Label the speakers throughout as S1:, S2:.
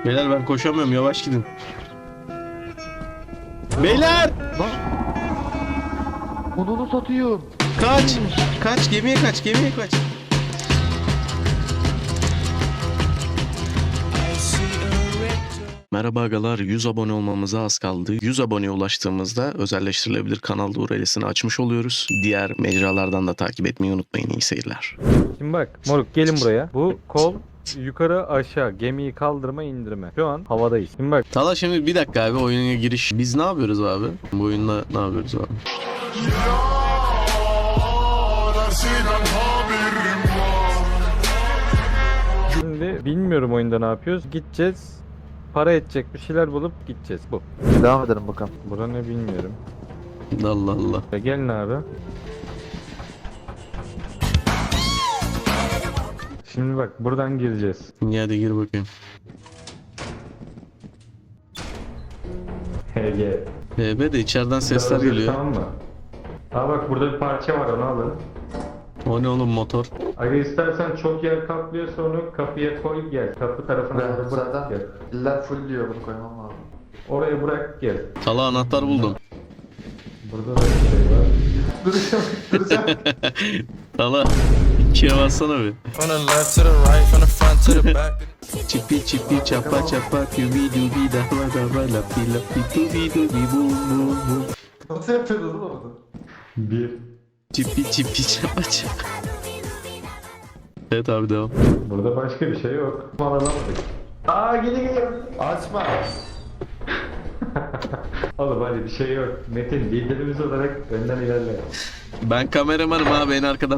S1: Beyler ben koşamıyorum, yavaş gidin. Beyler!
S2: Lan! Onu satıyor.
S1: Kaç! Kaç, gemiye kaç, gemiye kaç. Merhaba agalar, 100 abone olmamıza az kaldı. 100 aboneye ulaştığımızda özelleştirilebilir kanal URL'sini açmış oluyoruz. Diğer mecralardan da takip etmeyi unutmayın. İyi seyirler.
S3: Şimdi bak moruk gelin buraya. Bu kol yukarı aşağı gemiyi kaldırma indirme. Şu an havadayız. Şimdi bak
S1: Tala şimdi bir dakika abi, oyuna giriş. Biz ne yapıyoruz abi? Bu oyunda ne yapıyoruz abi?
S3: şimdi bilmiyorum oyunda ne yapıyoruz. Gideceğiz. Para edecek bir şeyler bulup gideceğiz. Bu.
S2: Devam edelim bakalım.
S3: Bura ne bilmiyorum.
S1: Allah Allah.
S3: Ya gelin abi. Şimdi bak buradan gireceğiz.
S1: İyi hadi gir bakayım.
S3: HG.
S1: BB de içeriden sesler geliyor.
S3: Tamam mı? Aa bak burada bir parça var onu alın.
S1: O ne oğlum, motor?
S3: Aga istersen çok yer kaplıyorsa onu kapıya koy gel. Kapı tarafına
S2: Ben
S3: doğru bırak
S2: zaten
S3: gel.
S2: iller full diyor, bunu koymam lazım.
S3: Oraya bırak gel.
S1: Tala anahtar buldum.
S3: Burada da bir şey var.
S2: Duracağım.
S1: Tala ikiye bassana bir.
S4: From the left to the right, from the front to the back.
S1: Çipi çipi çapa çapa kübi dubi dava dava lapi lapi dubi dubi bum bum bum.
S2: Nasıl yapıyordun oğlum onu?
S3: Bir.
S1: Çipi çipi çapa çapa. Evet abi devam.
S3: Burada başka bir şey yok. Mal alamadık. Aa geliyor.
S2: Açma.
S3: Oğlum hadi bir şey yok. Metin liderimiz olarak önden ilerle.
S1: Ben kameramanım abi, en arkadan.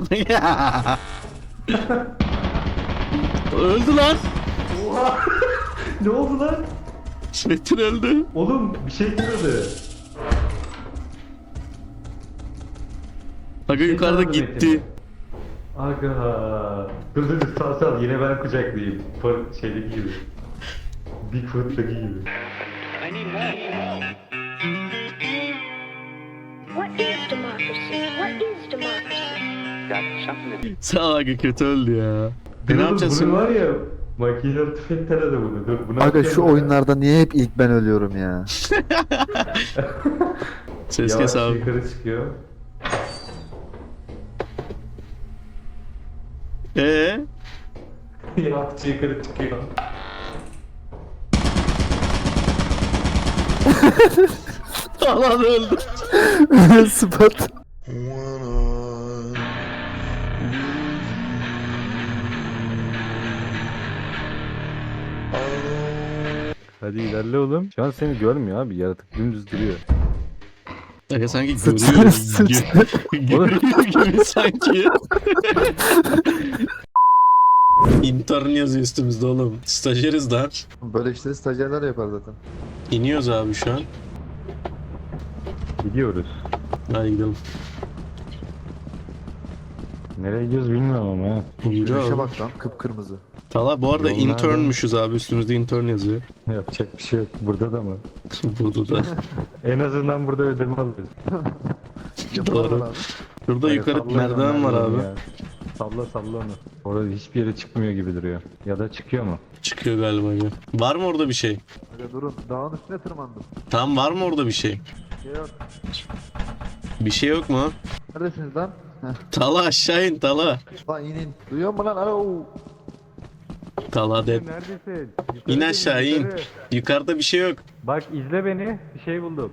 S1: Öldü lan.
S3: Ne oldu lan?
S1: Metin öldü.
S3: Oğlum bir şey kırıldı.
S1: Aga yukarıda
S3: kırıldı
S1: gitti.
S3: Metin. Aga. Dur sal yine ben kucaklayayım. Şeydeki gibi. Bigfoot'taki gibi.
S5: What is democracy? What is democracy?
S1: Sağ ol aga, kötü öldü ya. Ne yapacağız
S3: Bunu
S1: şimdi?
S3: var ya makinalı tüfekten de bunu. Dur bunu
S2: Aga
S3: atacağım
S2: şu
S3: ben.
S2: oyunlarda niye hep ilk ben ölüyorum ya?
S1: Ses
S3: Yavaş
S1: kes abi.
S3: yukarı çıkıyor. Yavaş yukarı çıkıyor.
S1: Alan öldü.
S2: Spot.
S3: Hadi ilerle oğlum. Şu an seni görmüyor abi. Yaratık dümdüz duruyor.
S1: Aga sanki
S2: Sıç-
S1: görüyor.
S2: sıç-
S1: Görüyor gibi sanki. İntern yazıyor üstümüzde oğlum. Stajyeriz lan.
S2: Böyle işleri stajyerler yapar zaten.
S1: İniyoruz abi şu an.
S3: Gidiyoruz.
S1: Hadi gidelim.
S3: Nereye gidiyoruz bilmiyorum ama ha.
S1: Yürü
S2: Şu işe
S1: abi.
S2: bak lan, kıpkırmızı.
S1: Tala bu arada
S3: Yol nerede?
S1: internmüşüz abi, üstümüzde intern yazıyor.
S3: Yapacak bir şey yok. Burada da mı?
S1: Burada da.
S3: En azından burada ödeme alıyoruz.
S2: Yapalım
S1: Doğru.
S2: abi.
S1: Şurada
S3: Hadi
S1: yukarı
S3: salla
S1: merdiven var abi.
S3: ya. Salla onu. Orada hiçbir yere çıkmıyor gibi duruyor. Ya da çıkıyor mu?
S1: Çıkıyor galiba ya. Var mı orada bir şey?
S2: Aga durun, dağın üstüne tırmandım.
S1: Tam var mı orada bir şey?
S2: Şey yok.
S1: Bir şey yok mu?
S2: Neredesiniz lan? Heh.
S1: Tala aşağı in Tala.
S2: Lan in. Duyuyor musun lan? Alo.
S1: Tala de.
S3: Neredesin?
S1: İn aşağı in. Yukarıda bir şey yok.
S3: Bak izle beni. Bir şey buldum.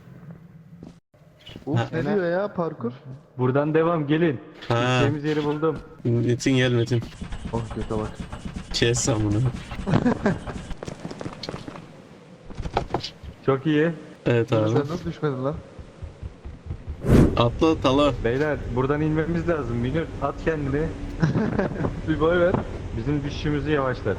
S2: Uf
S1: Ha,
S2: ne diyor ya parkur?
S3: Buradan devam gelin.
S1: Ha.
S3: Gideceğimiz yeri buldum.
S1: Metin gel Metin.
S2: Oh kötü bak.
S1: Kes sen bunu.
S3: Çok iyi.
S1: Evet
S2: Sen
S1: abi.
S2: nasıl düşmedin lan?
S1: Atla Tala.
S3: Beyler buradan inmemiz lazım. Münir at kendini.
S2: Bir boy ver.
S3: Bizim düşüşümüzü yavaşlat.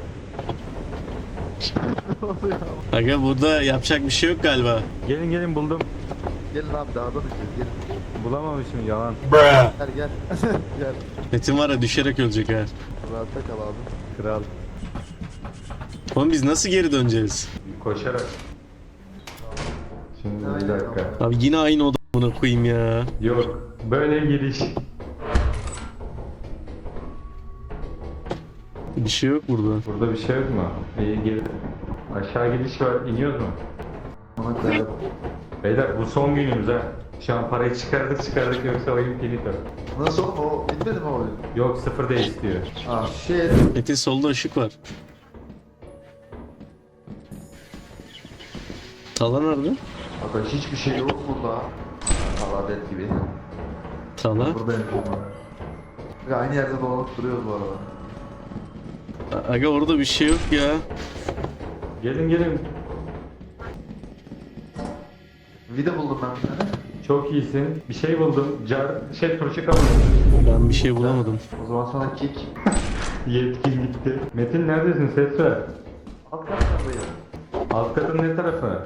S1: Aga burada yapacak bir şey yok galiba.
S3: Gelin buldum.
S2: Gelin abi dağdan düşeceğiz gelin.
S3: Bulamamışım yalan.
S2: Gel gel. Gel.
S1: Metin var ya, düşerek ölecek ha.
S2: Rahatta kal abi.
S3: Kral.
S1: Oğlum biz nasıl geri döneceğiz?
S3: Koşarak. Şimdi bir
S2: Aynen.
S3: dakika.
S1: Abi yine aynı odamına koyayım ya.
S3: Yok. Böyle giriş.
S1: Bir şey yok burada.
S3: Burada bir şey yok mu? İyi gir. Aşağı gidiş var. İniyoruz mu?
S2: Ona kadar.
S3: Beyler bu son günümüz ha. Şu an parayı çıkardık yoksa oyun finito.
S2: Nasıl oğlum o bitmedi mi o oyun?
S3: Yok sıfır değil istiyor.
S2: Ah shit.
S1: Metin solda ışık var. Tala nerede?
S2: Aga hiçbir şey yok burada. Allah dead gibi.
S1: Tala.
S2: Burada yapıyorum. Aga aynı yerde dolanıp duruyoruz bu arada.
S1: Aga orada bir şey yok ya.
S3: Gelin.
S2: Vida buldum ben bir tane.
S3: Çok iyisin. Bir şey buldum. Turşu kabuğu.
S1: Ben bir şey bulamadım.
S2: O zaman sana kick.
S3: Yetkin gitti. Metin neredesin? Ses ver.
S2: Alt katlardayım.
S3: Alt katın ne tarafı?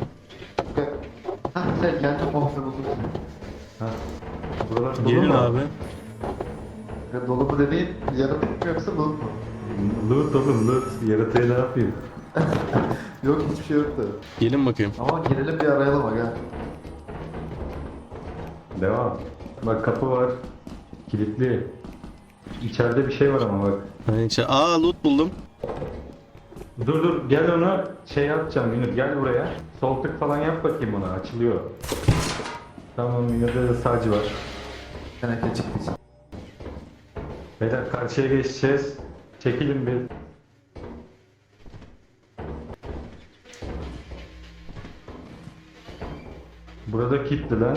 S2: Hah sen kendin muhafız buldun.
S3: Ha. Buralar dolu
S1: Gelin
S3: mu?
S1: abi.
S2: Ya dolu mu dediğin yaratık mı yoksa loot mu?
S3: Loot oğlum loot. Yaratığı ne yapayım?
S2: Yok hiçbir şey yoktu.
S1: Gelin bakayım.
S2: Ama girelim bir arayalım aga.
S3: Devam. Bak kapı var. Kilitli. İçeride bir şey var ama bak.
S1: Loot buldum.
S3: Dur gel ona şey yapacağım Münir gel buraya. Sol tık falan yap bakayım ona açılıyor. Tamam Münir'de de sadece var.
S2: Teneke çıktı.
S3: Beyler karşıya geçeceğiz. Çekilin bir. Burada kilitli lan.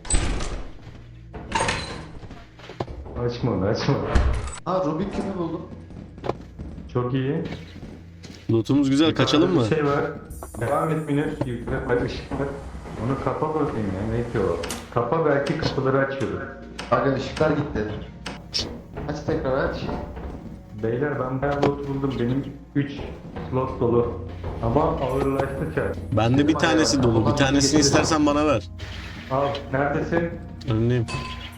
S3: Açma onu açma.
S2: Ha Rubik küpü buldum.
S3: Çok iyi.
S1: Lootumuz güzel. Kaçalım mı?
S3: Bir şey var. Devam et Münir. Yukarı bak ışık var. Onu kapa bakayım ya. Ne ki o? Kapa belki kapıları açıyordur.
S2: Aga ışıklar gitti. Aç tekrar aç.
S3: Beyler ben bayağı loot buldum. Benim 3 slot dolu. Ama ağırlaştı çar.
S1: Bende bir tanesi dolu. Bir tanesini istersen bana ver.
S3: Al. Neredesin?
S1: Önündeyim.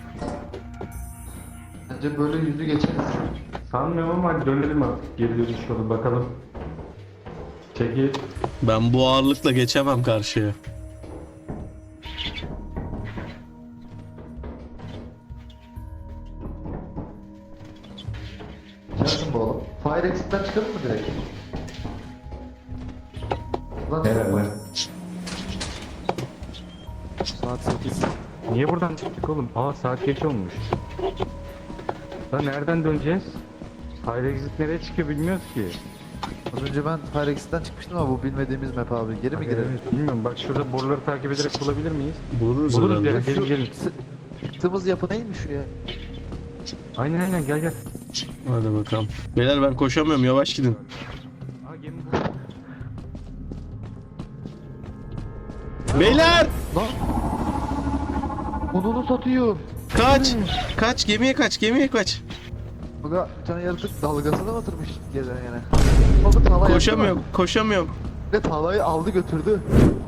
S2: Bence böyle yüzü geçeriz.
S3: Sanmıyorum ama hadi dönelim artık. Geri dönüş yolu bakalım. Çekil.
S1: Ben bu ağırlıkla geçemem karşıya.
S2: Gelsin bu oğlum. Fire exit'ten çıkalım mı direkt? Lan
S3: Herhalde.
S2: Saat 8.
S3: Niye buradan çıktık oğlum? Aa saat geç olmuş. Lan nereden döneceğiz? Fire exit nereye çıkıyor bilmiyoruz ki.
S2: Az önce ben Fire exit'ten çıkmıştım ama bu bilmediğimiz map abi. Geri mi girelim?
S3: Evet, bilmiyorum bak şurada boruları takip ederek bulabilir miyiz?
S1: Buluruz
S3: Buluruz
S1: herhalde.
S3: ya. Gelin gelin.
S2: Çıktığımız yapı neymiş şu ya?
S3: Aynen gel.
S1: Hadi bakalım. Beyler ben koşamıyorum. Yavaş gidin.
S3: Aa gemi
S1: Beyler!
S2: Lan! Onunu satıyor.
S1: Kaç! Kaç! Gemiye kaç! Gemiye kaç!
S2: Bak bir tane yaratık dalgasına batırmış gezen yine. Baba tala
S1: Koşamıyorum. Koşamıyorum.
S2: Ve talayı aldı götürdü.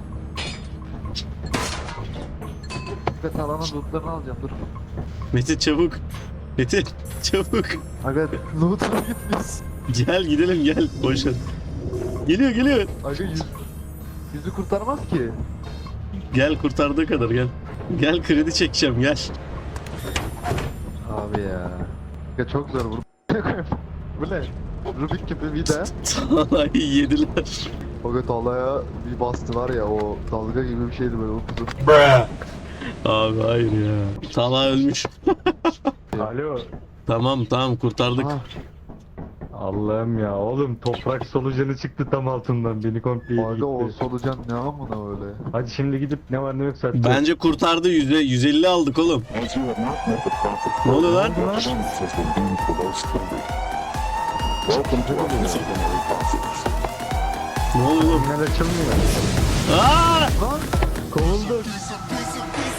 S2: Ve talanın lootlarını alacağım dur.
S1: Metin çabuk. Metin çabuk.
S2: Aga loot'una gitmiş.
S1: Gel gidelim gel. Boş ver. Geliyor.
S2: Aga yüzü kurtarmaz ki.
S1: Gel kurtardığı kadar gel. Gel kredi çekeceğim gel.
S2: Abi ya. Ya çok zor bu. Bu ne? Rubik gibi vida.
S1: Talayı yediler.
S2: Aga talaya bir bastı var ya o dalga gibi bir şeydi böyle upuzun.
S1: Abi hayır ya. Tala ölmüş.
S3: Alo.
S1: Tamam kurtardık.
S2: Aha,
S3: Allah'ım ya oğlum toprak solucanı çıktı tam altından beni komple
S2: aga o
S3: gitti.
S2: solucan ne amına öyle.
S3: Hadi şimdi gidip ne var ne yok zaten.
S1: Bence kurtardı 150 aldık oğlum. Ne oluyor lan? Ne oluyor oğlum?
S3: Tünel açılmıyor.
S1: Aa!
S2: Lan!
S3: Kovulduk.